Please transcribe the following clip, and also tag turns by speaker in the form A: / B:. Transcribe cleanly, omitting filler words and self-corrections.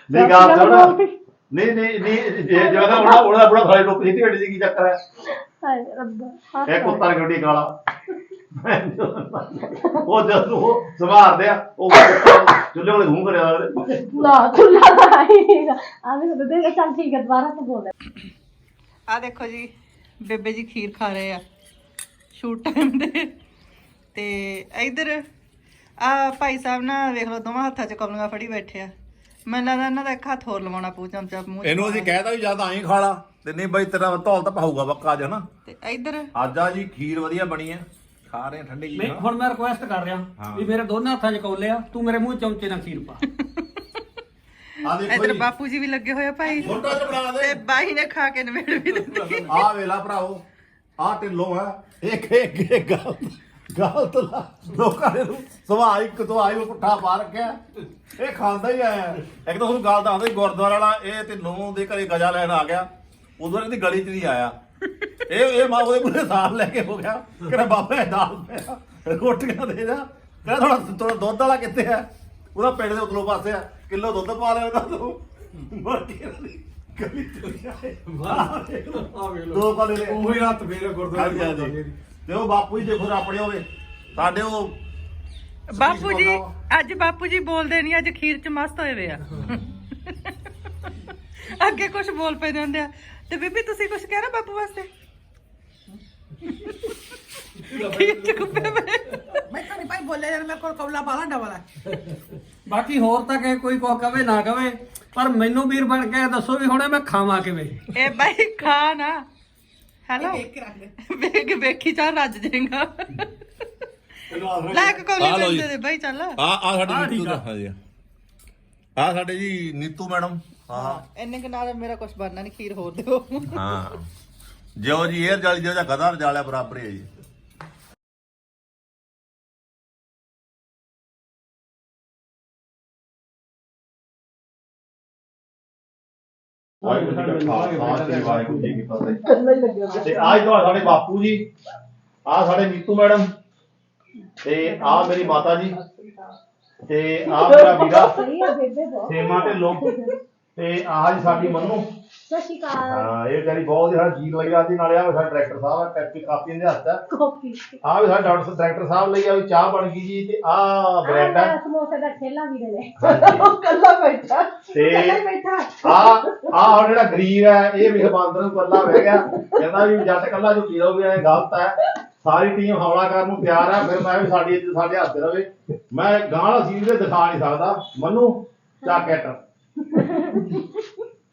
A: ਨਹੀਂ ਗੱਲ ਸੁਣ ਨਹੀਂ ਜੇ ਜਿਹੜਾ ਉਹਦਾ ਬੜਾ ਫਾਇਦਾ ਟੋਕ ਜਿੱਤੀ ਗੱਡੀ ਕੀ ਚੱਕਰ ਹੈ
B: ਹਾਏ ਰੱਬਾ
A: ਇਹ ਕੁੱਤਾ ਗੱਡੀ ਕਾਲਾ ਉਹ ਜਦ ਉਹ ਸਵਾਰਦੇ ਆ ਉਹ ਚੁੱਲ੍ਹੇ ਵਾਲੇ ਮੂੰਹ ਕਰਿਆ
B: ਨਾ ਖੁੱਲਾ ਤਾਂ ਆਏਗਾ ਆਵੇਂ ਤਾਂ ਦੇ ਚੱਲ ਠੀਕ ਹੈ ਦੁਬਾਰਾ ਤੋਂ ਬੋਲ
C: ਆ ਦੇਖੋ ਜੀ ਬੇਬੇ ਜੀ ਖੀਰ ਖਾ ਰਹੇ ਆ ਸ਼ੂਟ ਟਾਈਮ ਦੇ ਤੇ ਇਧਰ ਆ ਭਾਈ ਸਾਹਿਬ ਨਾ ਵੇਖ ਲਓ ਦੋਵਾਂ ਹੱਥਾਂ 'ਚ ਕਮਲੀਆਂ ਫੜੀ ਬੈਠੇ ਆ ਮੈਨੂੰ ਲੱਗਦਾ ਇਹਨਾਂ ਦਾ ਇੱਕ ਹੱਥ ਹੋਰ ਲਵਾਉਣਾ ਪਊ ਚਮਚਾ ਮੂੰਹ
D: ਇਹਨੂੰ ਅਸੀਂ ਕਹਿਤਾ ਵੀ ਜਾਂ ਤਾਂ ਐਂ ਖਾ ਲਾ ਤੇ ਨਹੀਂ ਬਈ ਤੇਰਾ ਧੌਲ ਤਾਂ ਪਾਊਗਾ ਬੱਕਾ ਅੱਜ ਹਨਾ
C: ਤੇ ਇਧਰ
D: ਅੱਜ ਆ ਜੀ ਖੀਰ ਵਧੀਆ ਬਣੀ ਆ ਖਾ ਰਹੇ ਆ ਠੰਡੀ ਜੀ ਨਾ।
E: ਹੁਣ ਮੈਂ ਰਿਕੁਐਸਟ ਕਰ ਰਿਹਾ ਵੀ ਮੇਰੇ ਦੋਨਾਂ ਹੱਥਾਂ 'ਚ ਕੌਲੇ ਆ ਤੂੰ ਮੇਰੇ ਮੂੰਹ ਚਮਚੇ ਨਾਲ ਖੀਰ ਪਾ
D: ਆ ਦੇਖੋ
C: ਇਧਰ
D: ਜੀ
C: ਬਾਪੂ ਜੀ ਵੀ ਲੱਗੇ ਹੋਏ ਆ ਭਾਈ
D: ਛੋਟਾ ਜਿਹਾ ਬਣਾ
C: ਤੇ
D: ਦੇ
C: ਬਾਈ ਨੇ ਖਾ ਕੇ ਨਵੇੜ ਵੀ ਦਿੱਤੀ
D: ਆ ਵੇਲਾ ਭਰਾਓ ਆ ਢਿੱਲੋਂ ਹੈ ਇੱਕ ਗੱਲ ਤਾਂ ਲੋਕਾਂ ਨੇ ਸੁਭਾਅ ਇੱਕ ਤੋਂ ਆਈ ਉਹ ਪੁੱਠਾ ਪਾ ਰੱਖਿਆ ਇਹ ਖਾਂਦਾ ਹੀ ਆਇਆ ਇੱਕ ਤਾਂ ਤੁਹਾਨੂੰ ਗੱਲ ਦੱਸਦਾ ਗੁਰਦੁਆਰਾ ਵਾਲਾ ਇਹ ਢਿੱਲੋਂ ਦੇ ਘਰੇ ਗਜਾ ਲੈਣ ਆ ਗਿਆ ਉਦੋਂ ਇਹਦੀ ਗਲੀ 'ਚ ਨਹੀਂ ਆਇਆ ਇਹ ਮਾਂ ਉਹਦੇ ਪੂਰੇ ਸਾਲ ਲੈ ਕੇ ਹੋ ਗਿਆ ਕਹਿੰਦਾ ਬਾਬਾ ਇਹ ਦਾਲ ਪਿਆ ਰੋਟੀਆਂ ਦੇ ਜਾ ਕਹਿੰਦਾ ਥੋੜਾ ਦੁੱਧ ਵਾਲਾ ਕਿੱਥੇ ਆ ਉਹਦਾ ਪਿੰਡ ਦੇ ਉਤਲੋਂ ਪਾਸੇ ਆ ਕਿਲੋ ਦੁੱਧ ਪਾ ਲਿਆ ਉਹਦਾ ਤੂੰ ਮਰਕੀ ਗਲੀ 'ਚ ਆਏ ਦੋ ਪਾਲੇ ਲੈ
E: ਉਹੀ ਹੱਥ ਫੇਰ ਗੁਰਦੁਆਰੇ
D: ਤੇ ਉਹ ਬਾਪੂ ਜੀ ਦੇਖੋ ਆਪਣੇ ਹੋਵੇ ਸਾਡੇ ਉਹ
C: ਬਾਪੂ ਜੀ ਅੱਜ ਬਾਪੂ ਜੀ ਬੋਲਦੇ ਨਹੀਂ ਅੱਜ ਖੀਰ 'ਚ ਮਸਤ ਹੋਏ ਵੇ ਆ ਅੱਗੇ ਕੁਝ ਬੋਲ ਪਏ ਜਾਂਦੇ ਆ ਤੇ ਬੀਬੀ ਤੁਸੀਂ ਕੁਝ ਕਹਿਣਾ ਬਾਪੂ ਵਾਸਤੇ ਖੀਰ 'ਚ ਕੁੱਪੇ ਪਏ
F: ਮੈਂ ਤਾਂ ਨਹੀਂ ਭਾਈ ਬੋਲਿਆ ਯਾਰ ਮੇਰੇ ਕੋਲ ਕੌਲਾ ਬਾਲਾ ਡਬਲ ਹੈ
E: ਬਾਕੀ ਹੋਰ ਤਾਂ ਕਿ ਕੋਈ ਕੋ ਕਵੇ ਨਾ ਕਵੇ ਪਰ ਮੈਨੂੰ ਵੀਰ ਬਣ ਕੇ ਦੱਸੋ ਵੀ ਹੁਣੇ ਮੈਂ ਖਾਵਾਂ ਕਿਵੇਂ
C: ਇਹ ਬਾਈ ਖਾ ਨਾ ਹੈਲੋ
F: ਦੇਖ ਕੇ ਰੱਖ ਲੈ
C: ਵੇਖੀ ਚਾਹ ਰੱਜ ਜਾਏਗਾ ਲੈ ਕੇ ਕੋਲੀ ਦੇ ਬਾਈ ਚੱਲ
D: ਆ ਸਾਡੇ ਨੀਤੂ ਦਾ ਹਾਂਜੀ ਆ ਸਾਡੇ ਜੀ ਨੀਤੂ ਮੈਡਮ ਹਾਂ
C: ਇੰਨੇ ਕਿ ਨਾਲ ਮੇਰਾ ਕੁਝ ਬਣਨਾ ਨਹੀਂ ਖੀਰ ਹੋਰ ਦਿਓ
D: ਹਾਂ ਜਿਉ ਜੀ ਏਅਰ ਜਾਲੀ ਜਿਉ ਜਾਂ ਗਧਾ ਰਜਾਲਿਆ ਬਰਾਬਰ ਹੀ ਹੈ ਜੀ
A: ਵਾਹਿਗੁਰੂ ਜੀ ਕੀ ਫਤਿਹ ਤੇ ਆਜ ਤੋਂ ਸਾਡੇ ਬਾਪੂ ਜੀ ਆ ਸਾਡੇ ਨੀਤੂ ਮੈਡਮ ਤੇ ਆ ਮੇਰੀ ਮਾਤਾ ਜੀ ਤੇ ਆ ਮੇਰਾ ਵੀਰਾ
B: ਸਹੀ ਹੈ ਬੇਬੇ ਬਹੁਤ
A: ਸੇਮਾ ਢਿੱਲੋਂ ਤੇ ਆਹ ਜੀ ਸਾਡੀ ਮੰਨੂ
B: ਸਤਿ ਸ਼੍ਰੀ ਅਕਾਲ
A: ਹਾਂ ਇਹ ਜਿਹੜੀ ਬਹੁਤ ਜਿਹੜਾ ਜੀ ਲੱਗਦਾ ਸੀ ਨਾਲੇ ਆ ਸਾਡਾ ਡਾਇਰੈਕਟਰ ਸਾਹਿਬ ਆ ਕਾਪੀ ਕਾਪੀ ਦੇ ਹੱਥ ਆ
B: ਕਾਪੀ
A: ਆ ਵੀ ਸਾਡਾ ਡਾਇਰੈਕਟਰ ਸਾਹਿਬ ਲਈ ਆ ਵੀ ਚਾਹ ਬਣ ਗਈ ਜੀ ਤੇ ਆ ਬ੍ਰੈਡ ਆ
B: ਸਮੋਸੇ ਦਾ ਠੇਲਾ ਵੀ ਦੇ ਲੈ
A: ਹਾਂਜੀ।
B: ਕੱਲਾ ਬੈਠਾ
A: ਤੇ
B: ਕੱਲਾ ਹੀ ਬੈਠਾ
A: ਆ ਹੁਣ ਜਿਹੜਾ ਗਰੀਬ ਹੈ ਇਹ ਵੀ ਬਾਂਦਰ ਨੂੰ ਕੱਲਾ ਬਹਿ ਗਿਆ ਕਹਿੰਦਾ ਵੀ ਜੱਟ ਕੱਲਾ ਝੁੱਟੀ ਰਹੂਗੀ ਇਹ ਗਲਤ ਹੈ ਸਾਰੀ ਟੀਮ ਹਮਲਾ ਕਰਨ ਨੂੰ ਤਿਆਰ ਹੈ ਫਿਰ ਮੈਂ ਵੀ ਸਾਡੇ ਹੱਥ ਰਵੇ ਮੈਂ ਗਾਣਾ ਸੀਨ ਦੇ ਦਿਖਾ ਨਹੀਂ ਸਕਦਾ ਮੰਨੂ ਚੱਕ ਐਟ